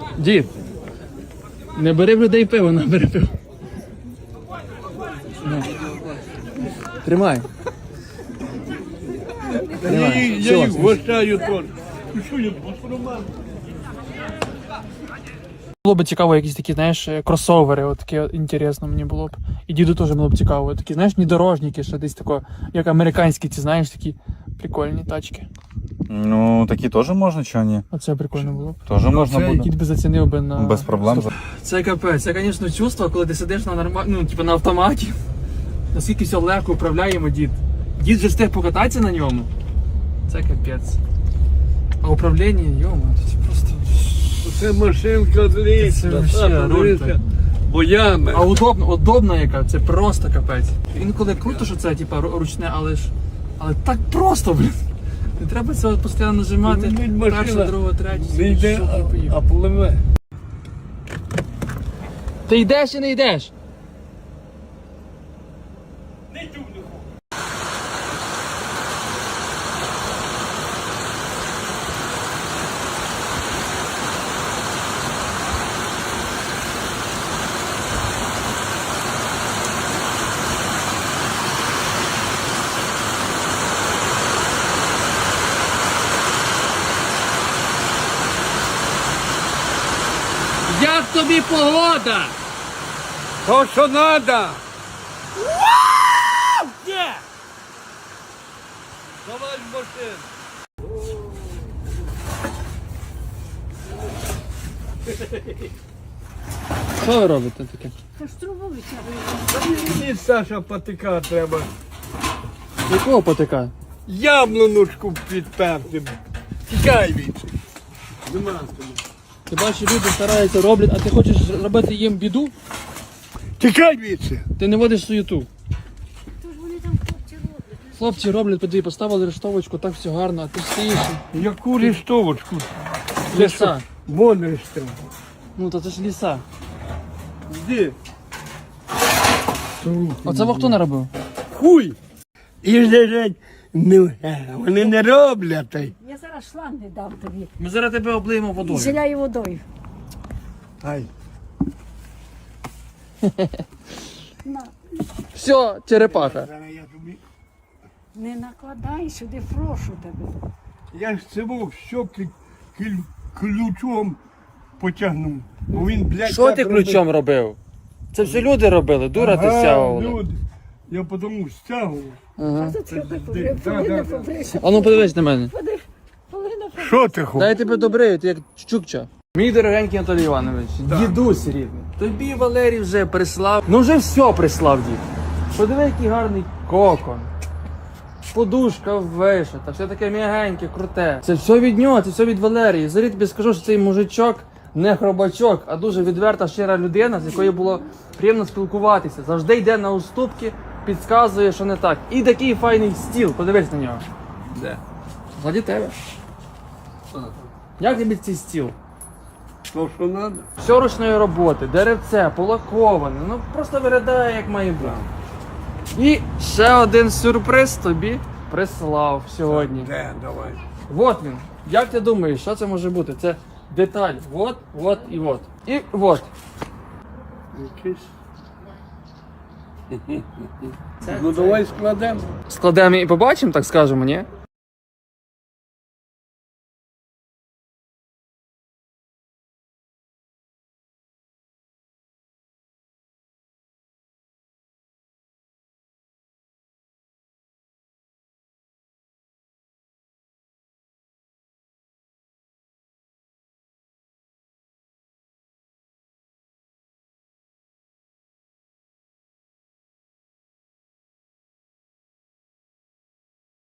Дід, не бери в людей пиво, не бери пиво. На. Тримай. Тримай. Я їх вважаю теж. Що я Було б цікаво, якісь такі, знаєш, кросовери, от таке інтересно мені було б. І діду теж було б цікаво. Такі, знаєш, внедорожники, що десь тако, як американські, ці, знаєш, такі прикольні тачки. Ну, такі теж можна, чи ні? Оце прикольно було б. Теж можна буде. Дід би зацінив би на... Без проблем. Це капець, це, звісно, чувство, коли ти сидиш на ну, типу на автоматі. Наскільки все легко управляємо, дід. Дід же встиг покататися на ньому. Це капець. А управління, йома, це просто... Це машинка длинна, боями. А удобна яка, це просто капець. Інколи круто, що це типу, ручне, але так просто, блін. Не треба це постійно нажимати. Перша, друга, третя. Не йде, а пливе. Ти йдеш чи не йдеш? Як тобі погода? То, що треба. Де? Давай в машину. Що ви робите таке? Та ж трубу витягує. Мені, Саша, патика треба. Якого потика? Яблуночку підперти. Тікай від. Нема тобі. Ти бачиш, люди стараються, роблять, а ти хочеш робити їм біду? Тікай від. Ти не водиш суєту. То ж вони там хлопці роблять. Хлопці роблять, тобі поставили рештовочку, так все гарно, а ти стоїш. Яку листовочку? Ліса. Вон листовочку. Ну то це ж ліса. Де? Оце хто не робив? Хуй! І лежать, вони не роблять. Я зараз шланг не дам тобі. Ми зараз тебе облиємо І водою. зіляю водою. Ай. На. Все, черепаха. Я тобі. Не накладай сюди, прошу тебе. Я ж цього все ключом потягнув. Бо він, блядь, Що так ти робив. ключом робив? Це все люди робили, дура ти стягувала. Люди. Я потому стягував. Ага. А тут я так Да, полина да. побрися. А ну подивись на мене. Полина побрися. Що ти хочеш? Дай тебе добрию, ти як чукча. Мій дорогенький Анатолій Іванович, дідусь рідний. Тобі Валерій вже прислав. Ну вже все прислав дід. Подиви, який гарний кокон. Подушка вишита, все таке м'ягеньке, круте. Це все від нього, це все від Валерії. Зарі тобі скажу, що цей мужичок не хробачок, а дуже відверта, щира людина, з якою було приємно спілкуватися. Завжди йде на уступки, підказує, що не так. І такий файний стіл, подивись на нього. Де? Ззаді тебе. Як тобі цей стіл? То, що треба? Все ручної роботи, деревце, полаковане, ну просто виглядає як має бути. І ще один сюрприз тобі прислав сьогодні. Де, давай. Вот він. Як ти думаєш, що це може бути? Це деталь. Вот, вот і вот. І вот. Якийсь. Ну давай складемо. Складемо і побачимо, так скажемо, ні?